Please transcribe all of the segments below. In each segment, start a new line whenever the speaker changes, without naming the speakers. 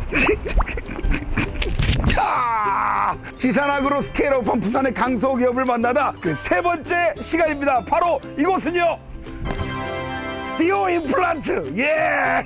지산학으로 스케일업한 부산의 강소기업을 만나다 그 세 번째 시간입니다. 바로 이곳은요, 디오 임플란트. 예.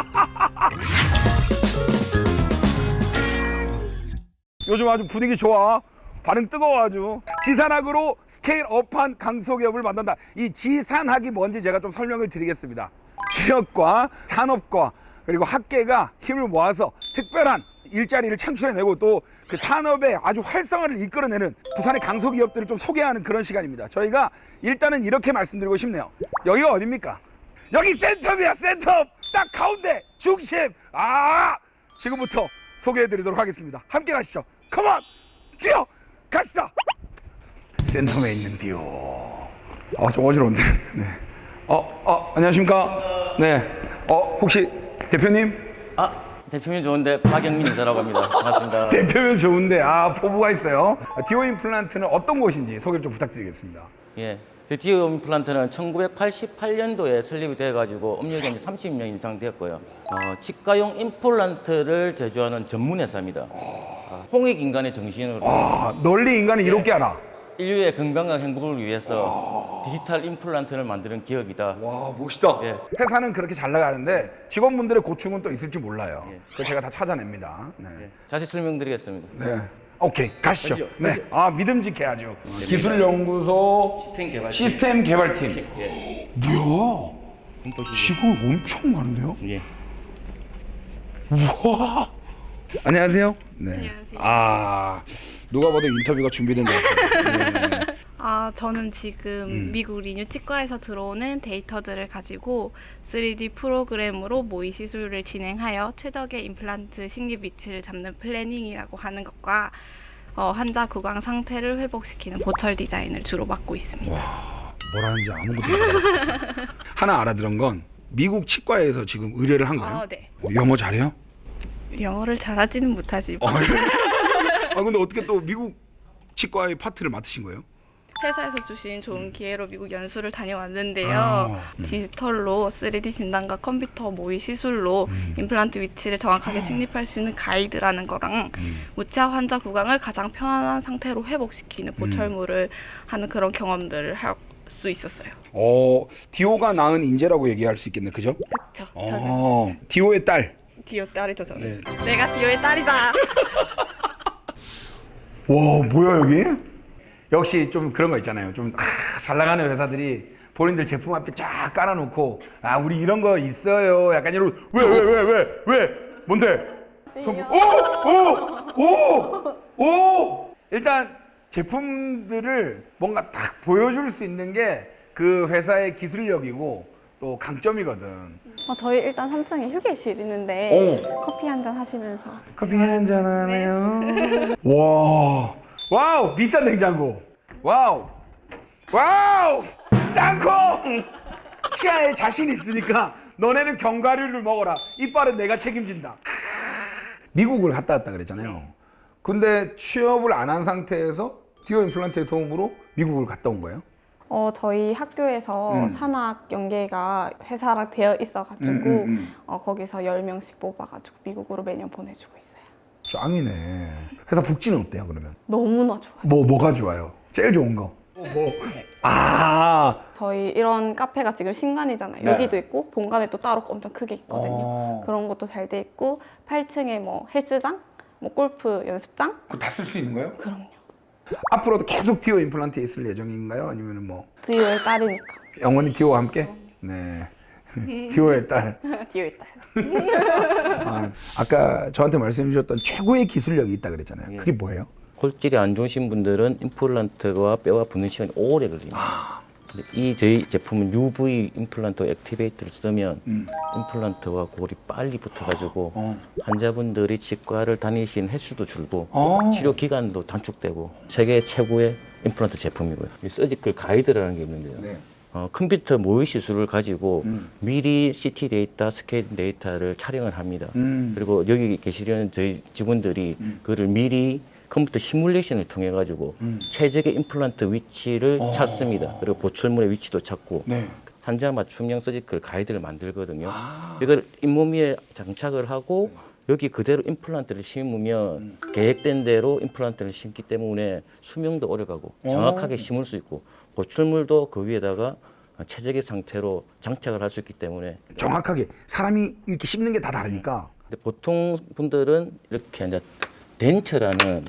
요즘 아주 분위기 좋아. 반응 뜨거워 아주. 지산학으로 스케일업한 강소기업을 만난다. 이 지산학이 뭔지 제가 좀 설명을 드리겠습니다. 취업과 산업과 그리고 학계가 힘을 모아서 특별한 일자리를 창출해내고 또 그 산업의 아주 활성화를 이끌어내는 부산의 강소기업들을 좀 소개하는 그런 시간입니다. 저희가 일단은 이렇게 말씀드리고 싶네요. 여기가 어딥니까? 여기 센터입니다. 센터 딱 가운데 중심. 지금부터 소개해드리도록 하겠습니다. 함께 가시죠. 컴온, 뛰어 갑시다. 센텀에 있는 디오. 좀 어지러운데. 네. 안녕하십니까? 네. 혹시 대표님?
대표님 좋은데 박영민 인사라고 합니다. 반갑습니다.
대표면 좋은데 포부가 있어요. 디오 임플란트는 어떤 곳인지 소개를 좀 부탁드리겠습니다.
예, 디오 임플란트는 1988년도에 설립이 돼가지고 업력이 30년 이상 되었고요. 치과용 임플란트를 제조하는 전문 회사입니다. 홍익 인간의 정신으로
널리 인간을 이롭게 하라.
인류의 건강과 행복을 위해서 디지털 임플란트를 만드는 기업이다.
와, 멋있다.
예.
회사는 그렇게 잘 나가는데 직원분들의 고충은 또 있을지 몰라요.
예.
그걸 제가 다 찾아냅니다. 네.
자세히 설명드리겠습니다.
네. 오케이, 가시죠.
가시죠.
네. 믿음직해 아주. 기술연구소 시스템 개발팀.
예.
뭐야? 직원 엄청 많은데요?
예.
우와. 안녕하세요. 네.
안녕하세요.
누가 봐도 인터뷰가 준비된 것 같아요. 네.
저는 지금 미국 리뉴 치과에서 들어오는 데이터들을 가지고 3D 프로그램으로 모의 시술을 진행하여 최적의 임플란트 식립 위치를 잡는 플래닝이라고 하는 것과 환자 구강 상태를 회복시키는 보철 디자인을 주로 맡고 있습니다.
와, 뭐라는지 아무것도 모르겠어요. 하나 알아들은 건 미국 치과에서 지금 의뢰를 한 거예요?
네.
영어 잘해요?
영어를 잘하지는 못하지만
근데 어떻게 또 미국 치과의 파트를 맡으신 거예요?
회사에서 주신 좋은 기회로 미국 연수를 다녀왔는데요. 디지털로 3D 진단과 컴퓨터 모의 시술로 임플란트 위치를 정확하게 식립할 수 있는 가이드라는 거랑 무치아 환자 구강을 가장 편안한 상태로 회복시키는 보철물을 하는 그런 경험들을 할 수 있었어요.
디오가 낳은 인재라고 얘기할 수 있겠네, 그죠?
그렇죠. 저는
디오의 딸.
디오 딸이죠, 저는.
네.
내가 디오의 딸이다.
와, 뭐야 여기? 역시 좀 그런 거 있잖아요. 좀 잘 나가는 회사들이 본인들 제품 앞에 쫙 깔아놓고 우리 이런 거 있어요. 약간 이런 왜 뭔데? 오! 일단 제품들을 뭔가 딱 보여줄 수 있는 게 그 회사의 기술력이고 또 강점이거든.
저희 일단 3층에 휴게실 있는데 커피 한잔 하시면서
커피 한잔 하네요. 와우, 비싼 냉장고. 와우, 땅콩. 치아에 자신 있으니까 너네는 견과류를 먹어라. 이빨은 내가 책임진다. 미국을 갔다 왔다 그랬잖아요. 근데 취업을 안 한 상태에서 디오 임플란트의 도움으로 미국을 갔다 온 거예요?
저희 학교에서 산학 연계가 회사랑 되어 있어가지고 거기서 10명씩 뽑아가지고 미국으로 매년 보내주고 있어요.
짱이네. 회사 복지는 어때요 그러면?
너무나 좋아요.
뭐가 좋아요? 제일 좋은 거?
저희 이런 카페가 지금 신관이잖아요.
네.
여기도 있고 본관에 또 따로 엄청 크게 있거든요. 그런 것도 잘 돼 있고 8층에 뭐 헬스장, 뭐 골프 연습장.
그거 다 쓸 수 있는 거예요?
그럼요.
앞으로도 계속 디오 임플란트에 있을 예정인가요? 아니면 뭐
디오의 딸이니까.
영원히 디오와 함께? 네. 디오의 딸.
디오의 딸.
아까 저한테 말씀해 주셨던 최고의 기술력이 있다 그랬잖아요.
예.
그게 뭐예요?
골질이 안 좋으신 분들은 임플란트와 뼈가 붙는 시간이 오래 걸립니다. 근데 이 저희 제품은 UV 임플란트 액티베이터를 쓰면 임플란트와 골이 빨리 붙어가지고 환자분들이 치과를 다니신 횟수도 줄고 치료 기간도 단축되고 세계 최고의 임플란트 제품이고요. 이 서지컬 가이드라는 게 있는데요.
네.
컴퓨터 모의 시술을 가지고 미리 CT 데이터, 스캔 데이터를 촬영을 합니다. 그리고 여기 계시려는 저희 직원들이 그거를 미리 컴퓨터 시뮬레이션을 통해 가지고 최적의 임플란트 위치를 찾습니다. 그리고 보철물의 위치도 찾고
네.
환자 맞춤형 서지컬 가이드를 만들거든요. 이걸 잇몸 위에 장착을 하고 여기 그대로 임플란트를 심으면 계획된 대로 임플란트를 심기 때문에 수명도 오래가고 정확하게 심을 수 있고 보출물도 그 위에다가 최적의 상태로 장착을 할 수 있기 때문에
정확하게 사람이 이렇게 씹는 게 다 다르니까.
근데 보통 분들은 이렇게 이제 덴처라는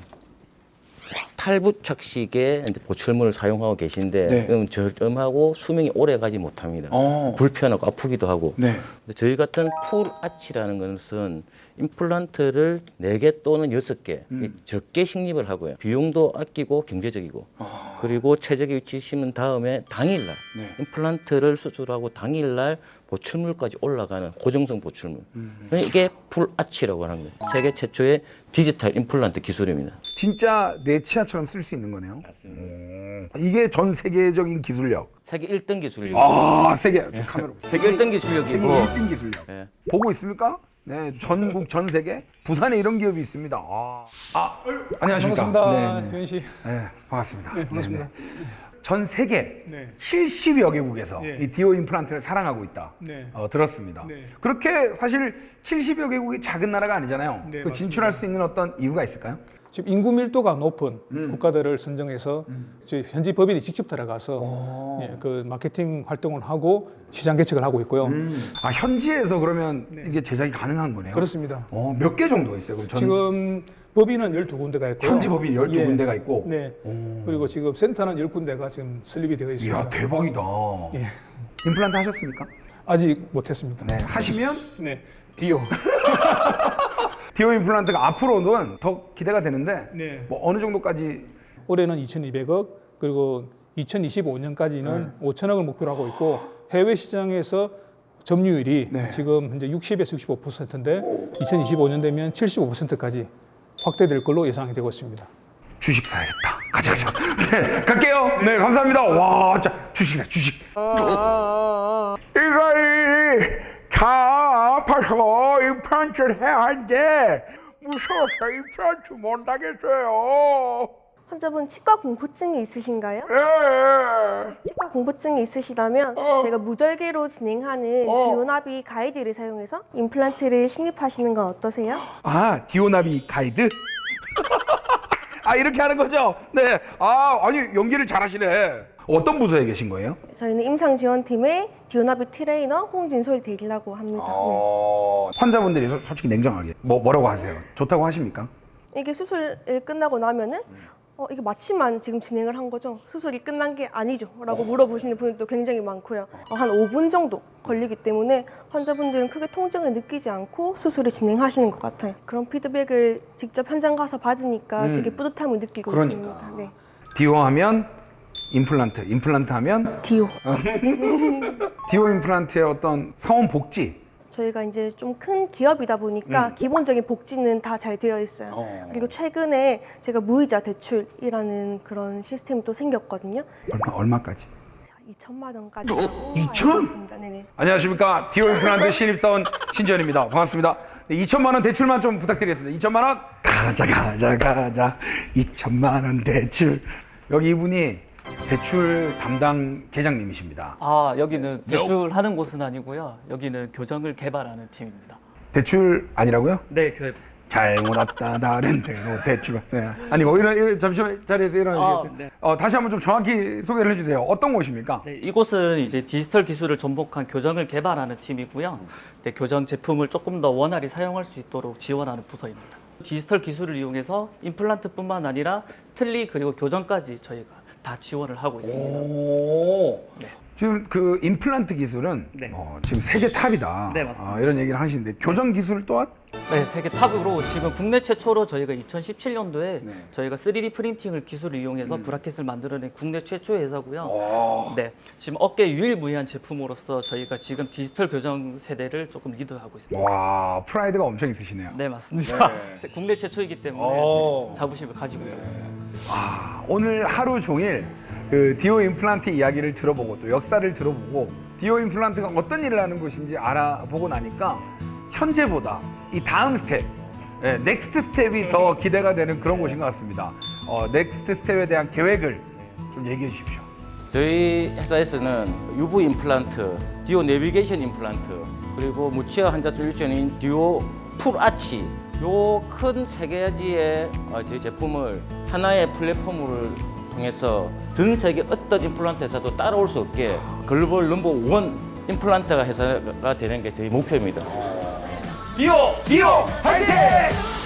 탈부착식의 이제 보출물을 사용하고 계신데
네.
그럼 저렴하고 수명이 오래 가지 못합니다. 불편하고 아프기도 하고.
네.
근데 저희 같은 풀 아치라는 것은 임플란트를 4개 또는 6개 적게 식립을 하고요. 비용도 아끼고 경제적이고 그리고 최적의 위치에 심은 다음에 당일날
네.
임플란트를 수술하고 당일날 보출물까지 올라가는 고정성 보출물. 이게 풀 아치라고 하는 거예요. 세계 최초의 디지털 임플란트 기술입니다.
진짜 내 치아처럼 쓸 수 있는 거네요. 이게 전 세계적인 기술력.
세계 1등 기술이고
아, 세계 카메라 보세요.
세계 1등
세계
기술력이고
1등 기술력.
예.
보고 있습니까? 네, 전국 전 세계 부산에 이런 기업이 있습니다. 안녕하십니까?
반갑습니다,
네,
수현 씨.
네, 반갑습니다.
네, 반갑습니다.
전 세계
네.
70여 개국에서
예.
이 디오 임플란트를 사랑하고 있다.
네.
들었습니다.
네.
그렇게 사실 70여 개국이 작은 나라가 아니잖아요.
네,
그 진출할 수 있는 어떤 이유가 있을까요?
지금 인구 밀도가 높은 국가들을 선정해서 저희 현지 법인이 직접 들어가서 예, 그 마케팅 활동을 하고 시장 개척을 하고 있고요.
현지에서 그러면 이게 제작이 가능한 거네요.
그렇습니다.
몇 개 정도 있어요? 그럼
지금 법인은 12군데가 있고요.
현지 법인 12군데가 있고.
네. 그리고 지금 센터는 10군데가 지금 설립이 되어 있습니다.
이야, 대박이다.
예.
임플란트 하셨습니까?
아직 못했습니다.
네, 하시면
네. 디오.
디오 임플란트가 앞으로는 더 기대가 되는데
네.
뭐 어느 정도까지
올해는 2,200억, 그리고 2025년까지는 5천억을 목표로 하고 있고 해외 시장에서 점유율이
네.
지금 현재 60에서 65%인데 2025년 되면 75%까지 확대될 걸로 예상이 되고 있습니다.
주식 사야겠다. 가자. 네, 갈게요. 네, 감사합니다. 와, 자, 주식이다, 주식. 이거 다 아파서 임플란트를 해야 하는데 무서워서 임플란트 못 하겠어요.
환자분 치과 공포증이 있으신가요?
예.
치과 공포증이 있으시다면 제가 무절개로 진행하는 디오나비 가이드를 사용해서 임플란트를 식립하시는 건 어떠세요?
디오나비 가이드? 이렇게 하는 거죠? 네. 아니, 연기를 잘하시네. 어떤 부서에 계신 거예요?
저희는 임상지원팀의 디오나비 트레이너 홍진솔 대리라고 합니다.
환자분들이 솔직히 냉정하게 뭐라고 하세요? 좋다고 하십니까?
네. 이게 수술을 끝나고 나면은 이게 마취만 지금 진행을 한 거죠? 수술이 끝난 게 아니죠? 라고 물어보시는 분들도 굉장히 많고요. 한 5분 정도 걸리기 때문에 환자분들은 크게 통증을 느끼지 않고 수술을 진행하시는 것 같아요. 그런 피드백을 직접 현장 가서 받으니까 되게 뿌듯함을 느끼고
그러니까.
있습니다. 네.
디오 하면 임플란트 하면
디오.
디오 임플란트의 어떤 사원 복지.
저희가 이제 좀 큰 기업이다 보니까 기본적인 복지는 다 잘 되어 있어요. 그리고 최근에 제가 무이자 대출이라는 그런 시스템이 또 생겼거든요.
얼마까지?
2천만 원까지 하고
2천?
알고 있습니다. 네네.
안녕하십니까. 디오 임플란트 신입사원 신지현입니다. 반갑습니다. 네, 2천만 원 대출만 좀 부탁드리겠습니다. 2천만 원. 가자. 2천만 원 대출. 여기 이분이 대출 담당 계장님이십니다.
여기는 대출하는 곳은 아니고요. 여기는 교정을 개발하는 팀입니다.
대출 아니라고요?
네,
잘못 왔다 다른 대로 대출. 네. 아니 잠시만 자리에서 일어나주시겠어요?
네.
다시 한번 좀 정확히 소개를 해주세요. 어떤 곳입니까?
네, 이곳은 이제 디지털 기술을 접목한 교정을 개발하는 팀이고요. 네, 교정 제품을 조금 더 원활히 사용할 수 있도록 지원하는 부서입니다. 디지털 기술을 이용해서 임플란트뿐만 아니라 틀니 그리고 교정까지 저희가 다 지원을 하고 있습니다. 네.
지금 그 임플란트 기술은
네.
지금 세계 탑이다.
네, 맞습니다.
이런 얘기를 하시는데 교정 기술 또한
네, 세계 탑으로 지금 국내 최초로 저희가 2017년도에
네.
저희가 3D 프린팅을 기술을 이용해서 브라켓을 만들어낸 국내 최초의 회사고요. 네, 지금 업계 유일무이한 제품으로서 저희가 지금 디지털 교정 세대를 조금 리드하고 있습니다.
와 프라이드가 엄청 있으시네요.
네, 맞습니다. 국내 최초이기 때문에 자부심을 가지고 있습니다.
오늘 하루 종일 그 디오 임플란트 이야기를 들어보고 또 역사를 들어보고 디오 임플란트가 어떤 일을 하는 곳인지 알아보고 나니까 현재보다 이 다음 스텝, 넥스트 스텝이 더 기대가 되는 그런 곳인 것 같습니다. 넥스트 스텝에 대한 계획을 좀 얘기해 주십시오.
저희 회사에서는 UV 임플란트, 디오 내비게이션 임플란트, 그리고 무치아 환자 솔루션인 디오 풀아치 요 큰 세 가지의 저희 제품을 하나의 플랫폼을 통해서 전 세계 어떤 임플란트 회사도 따라올 수 없게 글로벌 넘버 원 임플란트가 회사가 되는 게 저희 목표입니다.
비오 화이팅!